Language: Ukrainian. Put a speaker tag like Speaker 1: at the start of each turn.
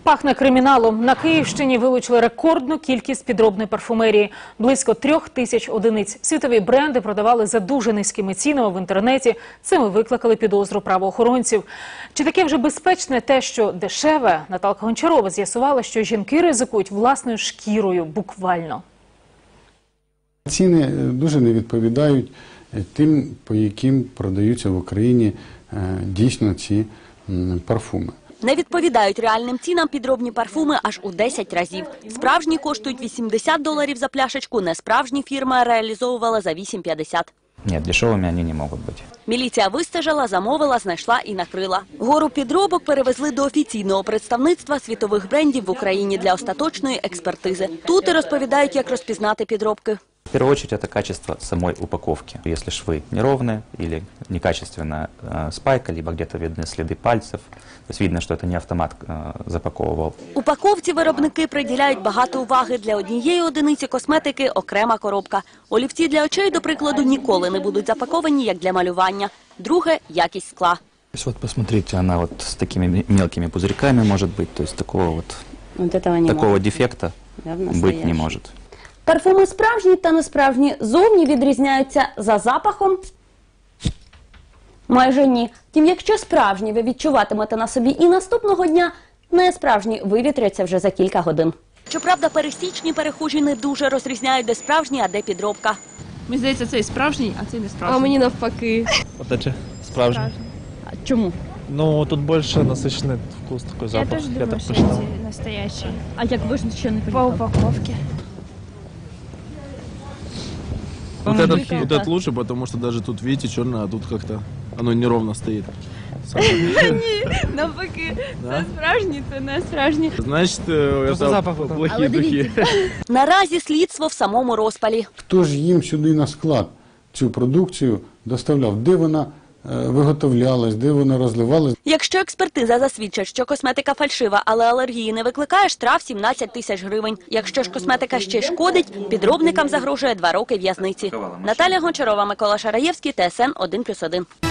Speaker 1: Пахне криміналом. На Київщині вилучили рекордну кількість підробної парфумерії. Близько 3000 одиниць. Світові бренди продавали за дуже низькими цінами в інтернеті. Цим викликали підозру правоохоронців. Чи таке вже безпечне те, що дешеве? Наталка Гончарова з'ясувала, що жінки ризикують власною шкірою буквально.
Speaker 2: Ціни дуже не відповідають тим, по яким продаються в Україні дійсно ці парфуми.
Speaker 3: Не відповідають реальним цінам підробні парфуми аж у 10 разів. Справжні коштують $80 за пляшечку, несправжні фірма реалізовувала за $8,50.
Speaker 4: Ні, дешевими вони не можуть бути.
Speaker 3: Міліція вистежила, замовила, знайшла і накрила. Гору підробок перевезли до офіційного представництва світових брендів в Україні для остаточної експертизи. Тут і розповідають, як розпізнати підробки.
Speaker 4: В первую очередь это качество самой упаковки. Если швы неровные или некачественно спайка, либо где-то видны следы пальцев, то есть видно, что это не автомат запаковывал.
Speaker 3: Упаковці виробники приділяють багато уваги. Для однієї одиниці косметики окрема коробка. Олівці для очей, до прикладу, ніколи не будуть запаковані, як для малювання. Друге – якість скла.
Speaker 4: То есть вот посмотрите, она вот с такими мелкими пузырьками может быть, то есть такого дефекта быть не может.
Speaker 3: Парфуми справжні та несправжні зовні відрізняються за запахом? Майже ні. Втім, якщо справжні ви відчуватимете на собі і наступного дня, несправжні вивітряться вже за кілька годин. Щоправда, пересічні перехожі не дуже розрізняють, де справжні, а де підробка.
Speaker 5: Мені здається, цей справжній, а цей не справжній.
Speaker 6: А мені навпаки.
Speaker 7: Вот эти справжні.
Speaker 6: А чому?
Speaker 7: Ну, тут більше насичений вкус, такий запах.
Speaker 5: Я теж думаю, що
Speaker 7: посчитав.
Speaker 5: ці настоящі.
Speaker 6: А як ви ж ще не
Speaker 5: По
Speaker 6: поїхали?
Speaker 5: упаковці.
Speaker 7: Вот этот лучше, потому что даже тут, видите, черное, а тут как-то оно неровно стоит.
Speaker 6: Ні, навпаки. Це справжні, це не справжні.
Speaker 7: Значит, это плохие духи.
Speaker 3: Наразі слідство в самому розпалі.
Speaker 2: Хто ж їм сюди на склад цю продукцію доставляв? Де вона виготовлялась, де вона розливалась?
Speaker 3: Якщо експертиза засвідчить, що косметика фальшива, але алергії не викликає, штраф 17 тисяч гривень. Якщо ж косметика ще шкодить, підробникам загрожує 2 роки в'язниці. Наталія Гончарова, Микола Шараєвський, ТСН 1+1.